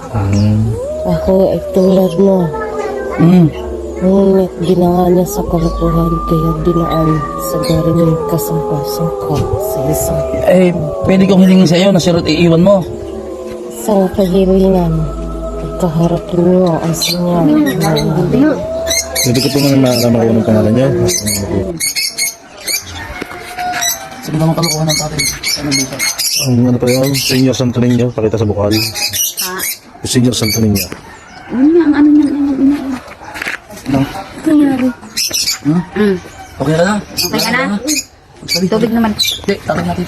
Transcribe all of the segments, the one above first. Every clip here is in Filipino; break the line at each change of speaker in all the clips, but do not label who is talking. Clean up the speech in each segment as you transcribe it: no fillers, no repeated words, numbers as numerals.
Ako ay tulad mo. Ngunit ginawa niya sa kalokohan, kaya dinaan sa garing kasangka-sangka sa isang
Pwede kong hilingin sa iyo na si Ruth iiwan mo.
isang kahilingan. Kaharapin mo ang sinyal na hindi.
Hindi ko po nga malaman kung anong pangalan niyo.
Sige naman kalokohan ng tatay. Anong dito?
Ang ano pa yun, Senior Santo Niño, pakita sa bukal. Senior Santo Niño.
Ang ano niya,
Ano?
nangyari.
Okay ka na?
Okay ka na?
Sabi,
Tubig naman.
Hindi, tatay natin.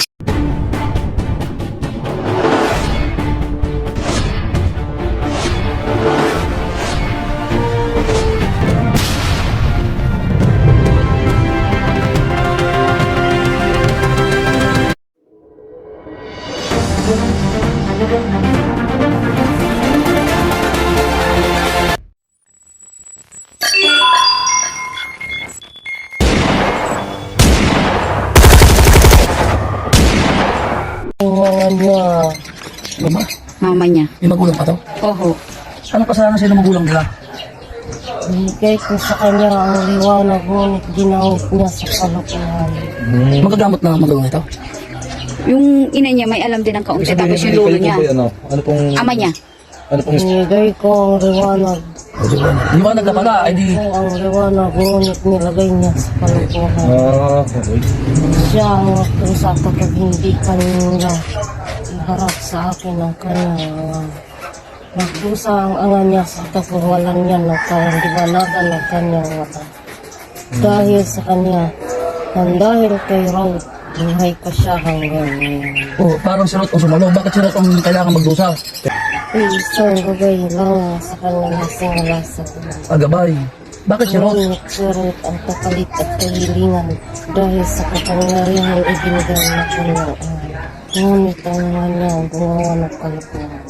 Mga niya.
Mama,
Mama niya.
may magulang pa to?
Oho.
Anong kasalanan sa'yo ng magulang nila?
Binigay ko sa kanya ang liwanag, ngunit ginamit niya sa kalokohan.
Magagamot na ang magulang ito?
Yung ina niya may alam din ng kaunti. Tapos yung lolo niya.
Ano pong,
Ama niya.
ano pong,
Binigay ko ang liwanag.
Liwanag na pala, ay di...
Ko ang liwanag, ngunit nilagay niya sa kalokohan.
okay.
Siya ang nagkusa kapag hindi kanila iharap sa akin ang kanyang nagkusa ang angan niya sa kapawalan niya ng kanyang liwanagan ng kanyang mata. Dahil sa kanya, nang dahil kay Ruth, buhay pa siya hanggang ngayon.
Oh, parang si Ruth ang sumalo. Bakit si Ruth ang kailangan magdusa?
Isang bagay lang sa kanyang singala sa tuloy.
Agabay. Bakit si Ruth?
Ngunit si Ruth ang kapalit at kahilingan dahil sa kapangyarihan ibinigay na kanyang ama. Ngunit ang mga niya gumawa ng kalokohan.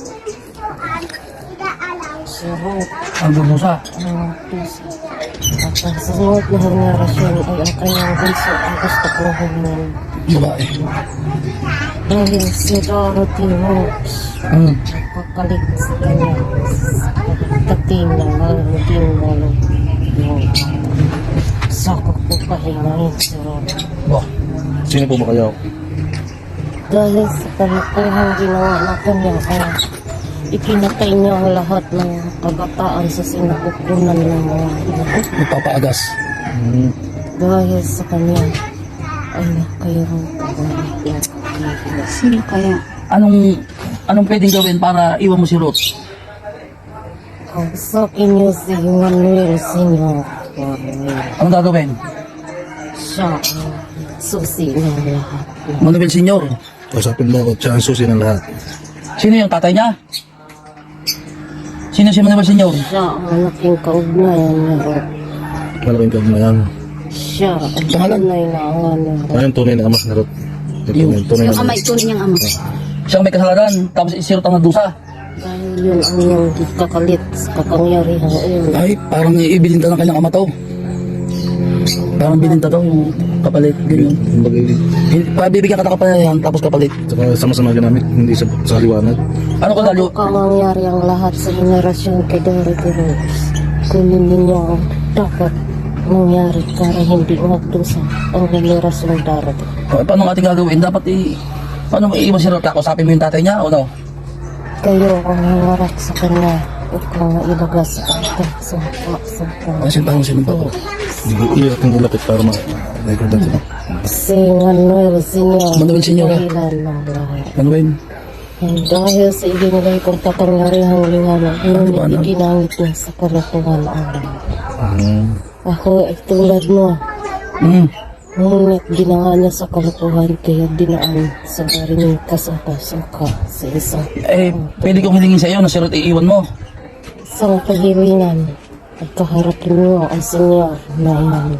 Si Ruth
Ang dudusa.
ang puso. At ang sunod na henerasyon ay ang kanyang bunso ang gusto kong hingin.
Babae.
Dahil si Dorothy Hooks pagkalit sa kanya dating na hindi mo yung sakot ko pahingahin si Ruth.
Wah.
Sino po ba kayo?
Dahil sa kalokohan ginawa ng kanyang ama, ipinatay niya ang lahat ng kabataan sa sinapupunan ng mga ina.
Nagpapaagas.
Dahil sa kanya ay nakayroon pagbalit niya.
Sino kaya?
Anong pwedeng gawin para iwan mo si Ruth?
Kausapin niyo si Manuel Senior.
Anong gagawin?
Siya ang susi ng lahat.
Manuel Senior.
Kausapin mo ako, siya ang susi ng lahat.
Sino yung tatay niya? Sino si Manuel Senior?
Siya ang malaking kaugnayan niya.
Malaking kag na yan.
Siya ang
Pangalan?
tunay na angan niya.
Ano yung tunay na ama na Ruth? Yung tunay
Yung
na
ama, ito niyang ama.
Siyang may kasalanan, tapos si Ruth ang nagdusa.
Dahil yun ang iyong kakalit sa kapangyarihan iyon.
Ay, parang ibilinta ng kanyang ama to. Parang bilinta to, yung kapalit, ganyan. Pabibigyan ka ng kapalit, tapos kapalit.
Saka sama-sama ginamit, hindi sa liwanag.
Ano ka lalo?
Kung mangyari ang lahat sa henerasyon kay Dorothy Rose, kunin ninyo ang dapat mangyari para hindi magdusa ang henerasyon darating.
Paano ang ating gagawin? Dapat paano maiiwan si Ruth? Kausapin mo yung tatay niya o no?
Kayo ang nangarap sa kanya, ikaw ang ilaga sa kantang sumpa.
Ano sintahan sino pa po?
Hindi ko kung ulapit para ma-recordan sila.
Si Manuel Senior,
Manuel Senior,
dahilan ng lahat.
Manuel.
Dahil sa ibinigay kong kapangyarihang liwanag, ngunit iginamit niya sa kalokohan ang lahat. Ako ay tulad mo, ngunit ginawa niya sa kalokohan, kaya dinaan sa garing kasangka-sangka sa isang
Pwede kong hilingin sa iyo na si Ruth iiwan mo.
isang kahilingan at kaharapin mo ang senyor na iyan.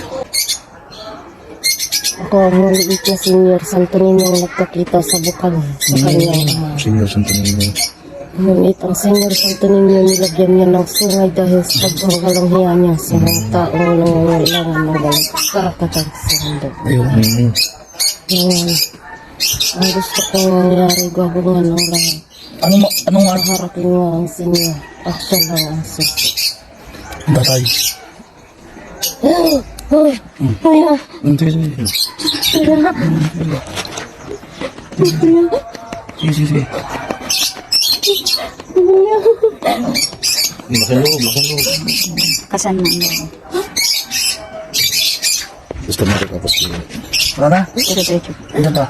Ako ang maliit na senyor Santo Niño ang nagkakita sa bukal sa kanyang ama.
Senior Santo Niño.
Ngunit ang senyor Santo Niño nilagyan niya ng sungay dahil sa pagkakalang hiya niya sa mga taong nangangailangan ng walang karapatan sa mundo.
Ayun.
Ngayon, ang gusto kong mangyari gagawin ng lahat
Anong
Harapin mo ang senyor at siya lang ang susi.
ang tatay?
Kuya,
Sige, sige. Sige, sige, sige.
Laking loob, laking loob.
Kasan mo.
Gusto mo rin tapos yun.
Wala na?
Diretso.
Ito to.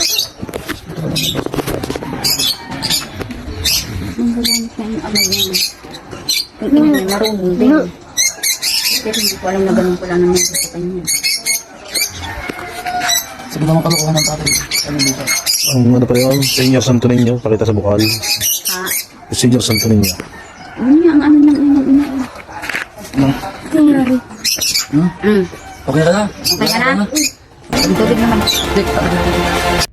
Ang gagamit na yung amay niya. Yung ina niya marunong din. Pero hindi ko alam na ganun pala naman sa kanya.
Sige naman kalokohan ng tatay. Ano dito?
Ang ano pa yun, Senyor Santo Niño, pakita sa bukal.
Ha?
Senyor Santo Niño.
Yun niya, ang ano ng ina.
Hmm? Okay ka na?
Okay ka na? Ang tubig naman.
Dik,